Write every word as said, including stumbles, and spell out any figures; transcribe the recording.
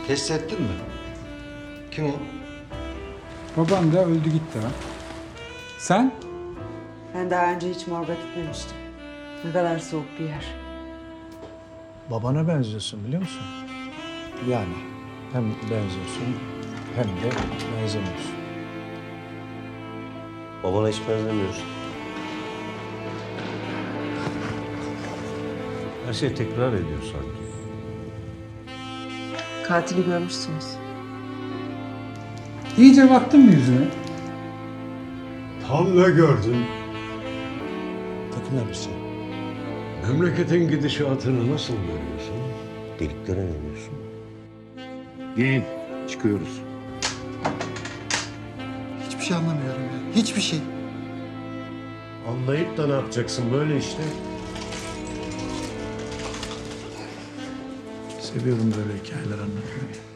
Test ettin mi? Kim o? Baban da öldü gitti ha. Sen? Ben daha önce hiç morga gitmemiştim. Ne kadar soğuk bir yer. Babana benziyorsun biliyor musun? Yani hem benziyorsun hem de benzemiyorsun. Babana hiç benzemiyorsun. Her şey tekrar ediyor sanki. Katili görmüşsünüz. İyice baktın mı yüzüne? Tam ne gördün? Takım elbise. Memleketin gidişatını nasıl görüyorsun? Deliklere ne diyorsun? Giyin, çıkıyoruz. Hiçbir şey anlamıyorum ya. Hiçbir şey. Anlayıp da ne yapacaksın böyle işte? Seviyorum böyle hikayeler anlatmayı.